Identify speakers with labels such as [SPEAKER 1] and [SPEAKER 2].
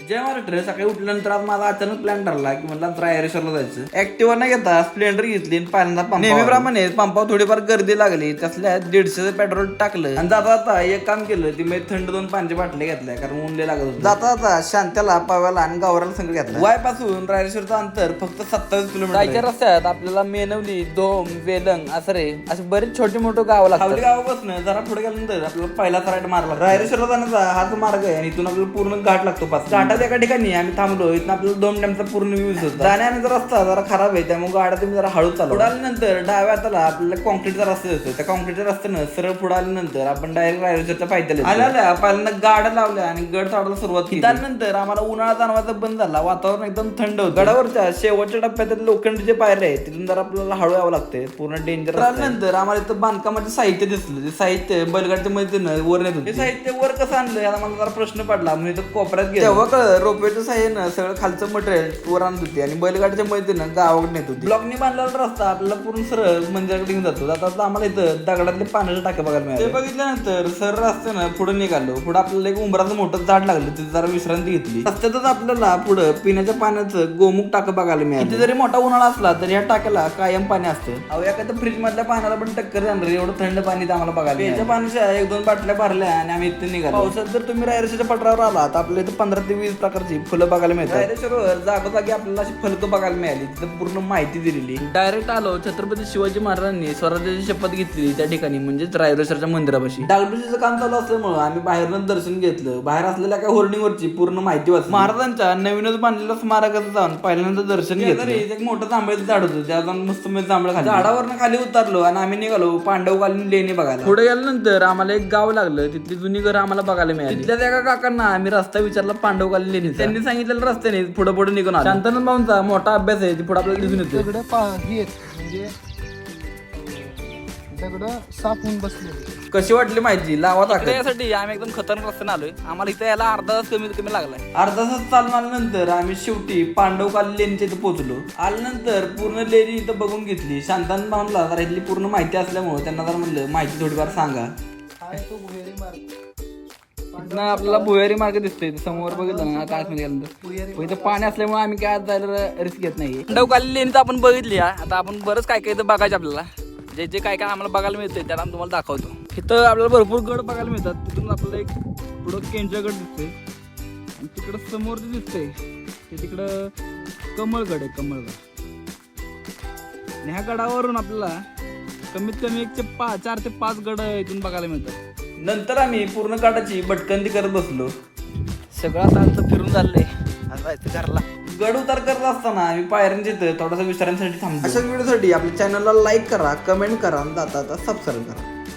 [SPEAKER 1] जय महाराष्ट्र. सकाळी उठल्यानंतर आज माझा अचानक प्लॅन ठरला की मला रायरेश्वरला जायचं. ऍक्टिव्हा नाही घेता स्प्लेंडर घेतली आणि पहिल्यांदा पंप नेहमीप्रमाणे पंपावर थोडीफार गर्दी लागली. त्यातल्या 150 पेट्रोल टाकलं आणि जाता जाता एक काम केलं. ती मी थंड 2 पाण्याच्या बाटल्या घेतल्या कारण ऊन लय लागत होतं. जाता जाता शांत्याला पाव्याला आणि गावराला संघ घेतला. वाय पासून रायरेश्वरचं अंतर फक्त 27 किलोमीटर. जायच्या रस्त्यात आपल्याला मेनवली, दोम, वेलंग, असरे असे बरेच छोटे मोठे गाव लागतात. गावापासून जरा पुढे गेल्यानंतर आपल्याला पहिला राईट मारला. रायरेश्वरला जाण्याचा हाच मार्ग आहे आणि इथून आपल्याला पूर्ण घाट लागतो. घाटात एका ठिकाणी आम्ही थांबलो. इथं आपल्याला 2 डॅमचा पूर्ण व्ह्यूज होता. जाण्याचा रस्ता जरा खराब आहे त्यामुळे गाड्या तुम्ही जरा हळू चालू. पुढे आल्यानंतर डाव्या हाताला आपल्याला कॉन्क्रीटचा रस्ता येतो. त्या कॉन्क्रीटच्या रस्त्यानं सरळ पुढे आल्यानंतर आपण डायरेक्ट रायरेश्वरच्या पायथ्याला आल्या. पहिल्यांदा गाड्या लावल्या आणि गड चढायला सुरुवात केली. त्यानंतर आम्हाला उन्हाळा जाणवायचा बंद झाला. वातावरण एकदम थंड होतं. गडावरच्या शेवटच्या टप्प्यात लोखंडचे पायऱ्या आहेत तिथून जरा आपल्याला हळू यावं लागते. पूर्ण डेंजर. त्यानंतर आम्हाला इथं बांधकामाचे साहित्य दिसलं. ते साहित्य बैलगाडीच्या मध्ये वर नेत होते. साहित्य वर कसं आणलं याला मला जरा प्रश्न पडला. म्हणजे इथं कोपऱ्यात गेलो तेव्हा कळलं रोपवेच्या साह्यानं सगळं खालचं मटेरियल वर आणत होते आणि बैलगाडीच्या मदतीनं गावाकडे नेत होती. ब्लॉकनी बांधलेला रस्ता आपल्याला पूर्ण सरळ मंदिराकडे घेऊन जातो. आता आम्हाला इथं दगडातले पाण्याचे टाके बघायला मिळाले. ते बघितल्यानंतर सरळ रस्त्यानं पुढे निघालो. पुढे आपल्याला एक उंबराचं मोठं झाड लागलं. तिथे जरा विश्रांती घेतली. रस्त्यातच आपल्याला पुढे पिण्याच्या पाण्याचं गोमुख टाकं बघायला मिळालं. तिथे जरी मोठा उन्हाळा असला तरी या टाक्याला कायम पाणी असतं. अहो एखाद्या फ्रीज मधल्या पाण्याला पण टक्कर जाणार एवढं थंड पाणी आम्हाला बघायला. याच्या पाण्याच्या 1-2 बाटल्या भरल्या आणि आम्ही इथे निघालो. पावसात जर तुम्ही रायरेश्वरच्या पठारावर आला तर आपल्या इथे 15 ते 20 प्रकारची फुलं बघायला मिळतात. रायरेश्वरवर जागोजागी आपल्याला अशी फलकं बघायला मिळाली. तिथं पूर्ण माहिती दिलेली. डायरेक्ट आलो छत्रपती शिवाजी महाराजांनी स्वराज्याची शपथ घेतली त्या ठिकाणी म्हणजेच रायरेश्वरच्या मंदिरापाशी. डागडुजीचं काम चालू असल्यामुळे आम्ही बाहेरनं दर्शन घेतलं. बाहेर असलेल्या काय होर्डिंगवरची पूर्ण माहिती वाचली. महाराजांच्या नवीनच बांधलेल्या स्मारकाचं जाऊन पहिल्यांदा दर्शन घेतलं. एक मोठं जांभळाचं झाड होतं. त्या जाऊन मस्त जांभळ खाली झाडावरनं खाली उतरलो आणि आम्ही निघालो पांडवकालीन लेणी बघायला. पुढे गेल्यानंतर आम्हाला एक गाव लागलं. तिथली जुनी घरं आम्हाला बघायला मिळाली. तिथल्या एका काकांना आम्ही रस्ता विचारला पांडवकालीन लेणी. त्यांनी सांगितलेलं रस्त्याने पुढे पुढे निघून आला. शांतानंद भाऊंचा मोठा अभ्यास आहे. पुढे आपल्याला दिसून येतो.
[SPEAKER 2] म्हणजे दगड साफ होऊन बसले.
[SPEAKER 1] कशी वाटली माहिती लावा टाकली.
[SPEAKER 3] यासाठी आम्ही एकदम खतरनाक रस्त्याने आलोय. आम्हाला इथे यायला अर्धा तास कमीत कमी लागलाय.
[SPEAKER 1] अर्धा तास चालून आल्यानंतर आम्ही शेवटी पांडवकालीन लेणीच्या इथे पोहोचलो. आल्यानंतर पूर्ण लेणी इथं बघून घेतली. शांतानंद भाऊंना जरा इथली पूर्ण माहिती असल्यामुळे त्यांना जर म्हणलं माहिती थोडीफार सांगा. आपल्याला भुयारी मार्ग दिसतोय समोर बघितलं ना काय गेल्यानंतर इथं पाणी असल्यामुळे आम्ही काय जायला रिस्क घेत नाही.
[SPEAKER 3] पांडवकालीन लेणी तर आपण बघितली. आता आपण बरंच काय काय इथं बघायचं आपल्याला. जे जे काय काय आम्हाला बघायला मिळतंय त्याला आम्ही तुम्हाला दाखवतो. इथं आपल्याला भरपूर गड बघायला मिळतात. तिथून आपल्याला एक पुढं केंद्र गड दिसतोय आणि तिकडं समोर जे दिसतंय ते तिकडं कमळगड आहे. कमळगड आणि ह्या गडावरून आपल्याला कमीत कमी 4 ते 5 गड इथून बघायला मिळतात.
[SPEAKER 1] नंतर आम्ही पूर्ण काटाची भटकंती करत बसलो.
[SPEAKER 3] सगळं आता आमचं फिरून चाललंय. आता जायचं घरला.
[SPEAKER 1] गड उतार करत असताना आम्ही पायऱ्यांच्या इथं थोडासा विश्रांतीसाठी थांबलो. अशा व्हिडिओसाठी आपल्या चॅनलला लाईक करा, कमेंट करा आणि जाता सबस्क्राईब करा.